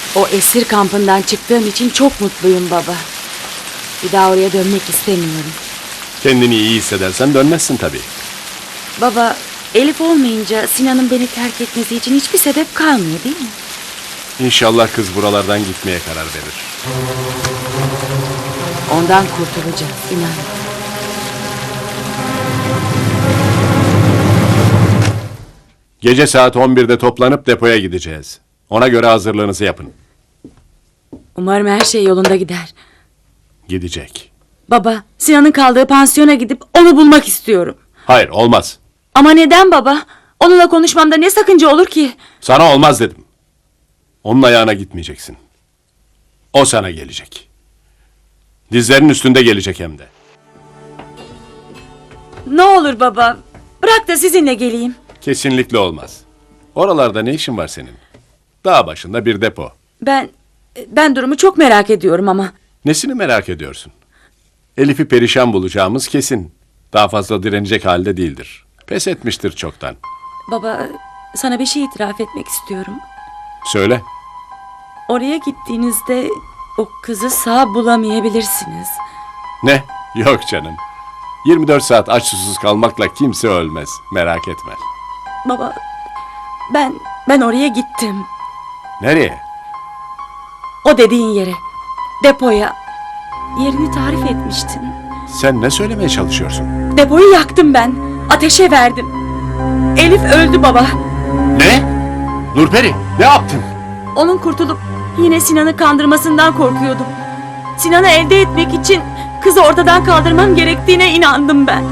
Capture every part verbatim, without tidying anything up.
O esir kampından çıktığım için çok mutluyum baba. Bir daha oraya dönmek istemiyorum. Kendini iyi hissedersen dönmezsin tabii. Baba, Elif olmayınca Sinan'ın beni terk etmesi için hiçbir sebep kalmıyor değil mi? İnşallah kız buralardan gitmeye karar verir. Ondan kurtulacağız, inan. Gece saat on birde toplanıp depoya gideceğiz. Ona göre hazırlığınızı yapın. Umarım her şey yolunda gider. Gidecek. Baba, Sinan'ın kaldığı pansiyona gidip onu bulmak istiyorum. Hayır, olmaz. Ama neden baba? Onunla konuşmamda ne sakınca olur ki? Sana olmaz dedim. Onun ayağına gitmeyeceksin. O sana gelecek. Dizlerinin üstünde gelecek hem de. Ne olur baba, bırak da sizinle geleyim. Kesinlikle olmaz. Oralarda ne işin var senin? Dağ başında bir depo. Ben, ben durumu çok merak ediyorum ama. Nesini merak ediyorsun? Elif'i perişan bulacağımız kesin. Daha fazla direnecek halde değildir. Pes etmiştir çoktan. Baba, sana bir şey itiraf etmek istiyorum. Söyle. Oraya gittiğinizde o kızı sağ bulamayabilirsiniz. Ne? Yok canım. yirmi dört saat aç susuz kalmakla kimse ölmez. Merak etme. Baba, ben, ben oraya gittim. Nereye? O dediğin yere, depoya. Yerini tarif etmiştin. Sen ne söylemeye çalışıyorsun? Depoyu yaktım ben. Ateşe verdim. Elif öldü baba. Ne? Nurperi, ne yaptın? Onun kurtulup yine Sinan'ı kandırmasından korkuyordum. Sinan'ı elde etmek için kızı ortadan kaldırmam gerektiğine inandım ben.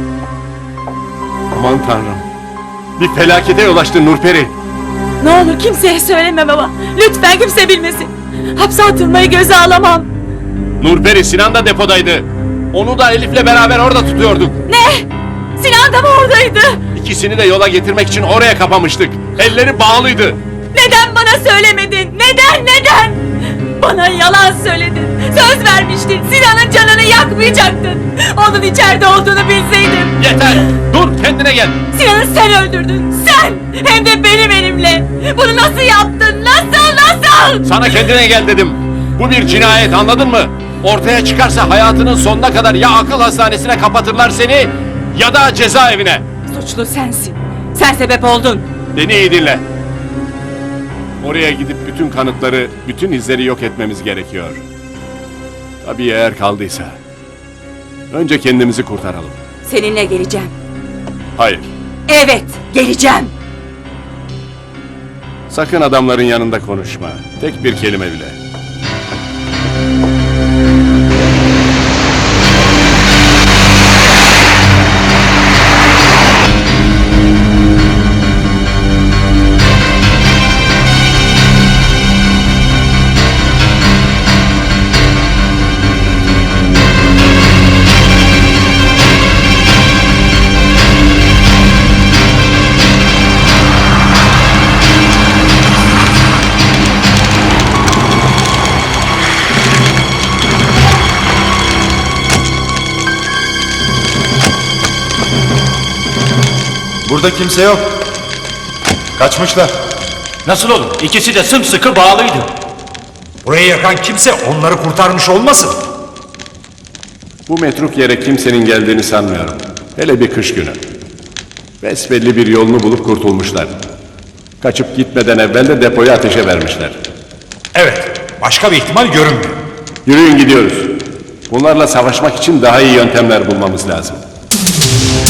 Aman tanrım. Bir felakete yol açtın Nurperi. Ne olur kimseye söyleme baba. Lütfen kimse bilmesin. Hapse atılmayı göze alamam. Nurperi, Sinan da depodaydı. Onu da Elif'le beraber orada tutuyorduk. Ne? Sinan da mı oradaydı? İkisini de yola getirmek için oraya kapamıştık. Elleri bağlıydı. Neden bana söylemedin? Neden, neden? Bana yalan söyledin. Söz vermiştin. Sinan'ın canını yakmayacaktın. Onun içeride olduğunu bilseydim. Yeter! Dur, kendine gel. Sinan'ı sen öldürdün. Sen! Hem de benim elimle. Bunu nasıl yaptın? Nasıl, nasıl? Sana kendine gel dedim. Bu bir cinayet, anladın mı? Ortaya çıkarsa hayatının sonuna kadar ya akıl hastanesine kapatırlar seni ya da cezaevine. Suçlu sensin. Sen sebep oldun. Beni iyi dinle. Oraya gidip bütün kanıtları, bütün izleri yok etmemiz gerekiyor. Tabii eğer kaldıysa. Önce kendimizi kurtaralım. Seninle geleceğim. Hayır. Evet, geleceğim. Sakın adamların yanında konuşma. Tek bir kelime bile. Burada kimse yok. Kaçmışlar. Nasıl olur? İkisi de sımsıkı bağlıydı. Burayı yakan kimse onları kurtarmış olmasın? Bu metruk yere kimsenin geldiğini sanmıyorum. Hele bir kış günü. Besbelli bir yolunu bulup kurtulmuşlar. Kaçıp gitmeden evvel de depoyu ateşe vermişler. Evet, başka bir ihtimal görünmüyor. Yürüyün gidiyoruz. Bunlarla savaşmak için daha iyi yöntemler bulmamız lazım.